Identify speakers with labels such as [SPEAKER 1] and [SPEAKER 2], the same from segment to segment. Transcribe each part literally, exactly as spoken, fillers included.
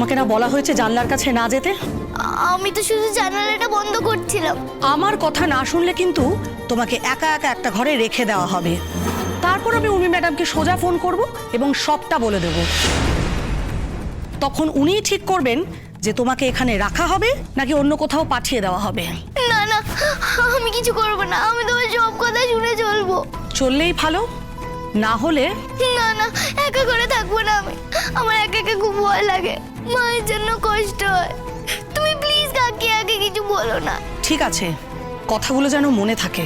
[SPEAKER 1] তোমাকে না বলা হয়েছে জানলার কাছে না যেতে?
[SPEAKER 2] আমি তো শুধু জানালাটা বন্ধ করছিলাম।
[SPEAKER 1] আমার কথা না শুনলে কিন্তু তোমাকে একা একা একটা ঘরে রেখে দেওয়া হবে। তারপর আমি উর্মি ম্যাডামকে সোজা ফোন করব এবং সবটা বলে দেব। তখন উনিই ঠিক করবেন যে তোমাকে এখানে রাখা হবে নাকি অন্য কোথাও পাঠিয়ে দেওয়া হবে।
[SPEAKER 2] না না, আমি কিছু করব না, আমি তোমার সব কথা শুনে চলবো।
[SPEAKER 1] চললেই ভালো, না হলে
[SPEAKER 2] না না, একা করে থাকবো না আমি। আমার একা একা খুব ভয় লাগে, মায়ের জন্য কষ্ট হয়। তুমি প্লিজ কাকি আগে কিছু বলো না।
[SPEAKER 1] ঠিক আছে, কথাগুলো যেন মনে থাকে।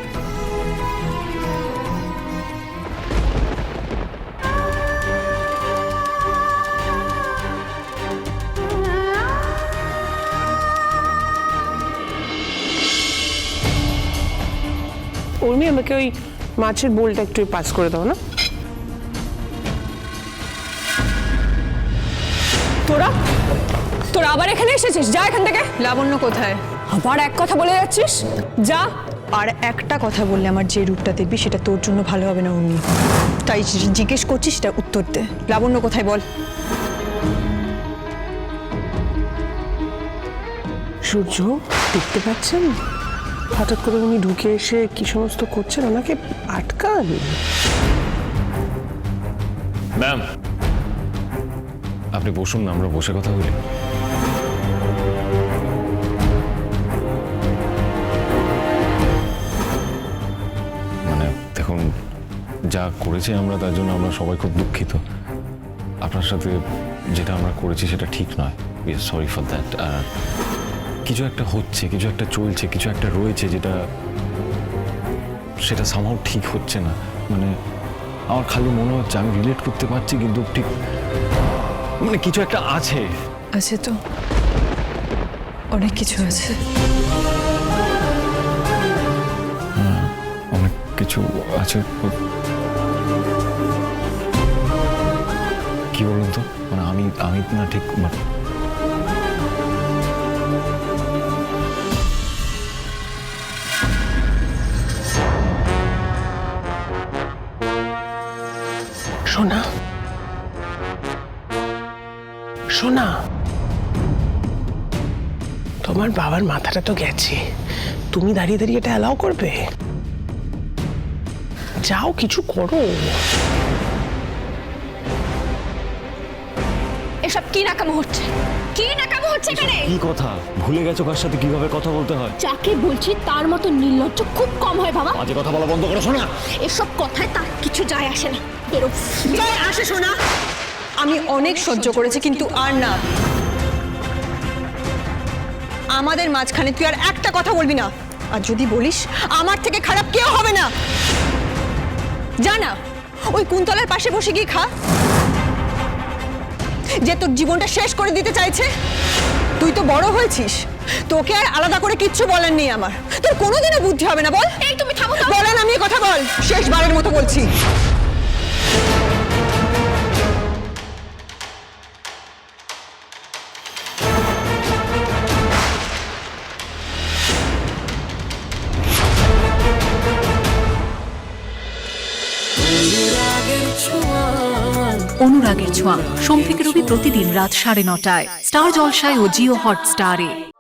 [SPEAKER 3] উর্মি, আমাকে ওই মাছের বোলটা একটু পাস করে দাও না।
[SPEAKER 4] তোরা তোরা আবার এখানে এসেছিস? যা এখান থেকে।
[SPEAKER 5] লাবণ্য কোথায়?
[SPEAKER 4] আবার এক কথা বলে যাচ্ছিস, যা।
[SPEAKER 5] আর একটা কথা বললে আমার যে রূপটা দেখবি সেটা তোর জন্য ভালো হবে না উর্মি। তাই জিজ্ঞেস করছিস, সেটা উত্তর দে। লাবণ্য কোথায় বল?
[SPEAKER 3] সূর্য, দেখতে পাচ্ছেন হঠাৎ করে উনি ঢুকে এসে কি সমস্ত করছেন? ওনাকে আটকান।
[SPEAKER 6] ম্যাম, আপনি বসুন না, আমরা বসে কথা বলি। মানে দেখুন, যা করেছি আমরা তার জন্য আমরা সবাই খুব দুঃখিত। আপনার সাথে যেটা আমরা করেছি সেটা ঠিক নয়, we are sorry for that. আর কিছু একটা হচ্ছে, কিছু একটা চলছে, কিছু একটা রয়েছে যেটা সেটা সামহাও ঠিক হচ্ছে না। মানে আমার খালি মনে হচ্ছে আমি রিলেট করতে পারছি, কিন্তু ঠিক মানে কিছু একটা আছে।
[SPEAKER 5] আছে তো, অনেক কিছু আছে।
[SPEAKER 6] হ্যাঁ, অনেক কিছু আছে। কি বলুন তো, মানে আমি আমি না ঠিক মানে
[SPEAKER 3] সোনা, সোনা, তোমার বাবার মাথাটা তো গেছে, তুমি দাঁড়িয়ে দাঁড়িয়ে এটা অ্যালাউ করবে? যাও, কিছু করো।
[SPEAKER 4] এসব কি নাকামো হচ্ছে? কি নাকামো হচ্ছে এখানে?
[SPEAKER 6] কি কথা ভুলে গেছো কার সাথে কিভাবে কথা বলতে হয়?
[SPEAKER 4] যাকে বলছি তার মতো নির্লজ্জ খুব কম হয় বাবা।
[SPEAKER 6] আজে কথা বলা বন্ধ করো শোনা।
[SPEAKER 4] এসব কথায় তার কিছু যায় আসে না। বেরো।
[SPEAKER 5] যায় আসে শোনা, আমি অনেক সহ্য করেছি, কিন্তু আর না। আমাদের মাঝখানে তুই আর একটা কথা বলবি না। আর যদি বলিস, আমার থেকে খারাপ কেউ হবে না। জানা, ওই কুন্তলার পাশে বসে গিয়ে খা, যে তোর জীবনটা শেষ করে দিতে চাইছে। তুই তো বড় হয়েছিস, তোকে আর আলাদা করে কিচ্ছু বলার নেই আমার। তোর কোনোদিনও বুদ্ধি হবে না। বল।
[SPEAKER 4] এই তুমি থামো তো।
[SPEAKER 5] বলেন, আমি কথা বল, শেষবারের মতো বলছি।
[SPEAKER 7] অনুরাগের ছোঁয়া সোম থেকে রবি প্রতিদিন রাত সাড়ে নটায় স্টার জলসায় ও জিও হটস্টারে।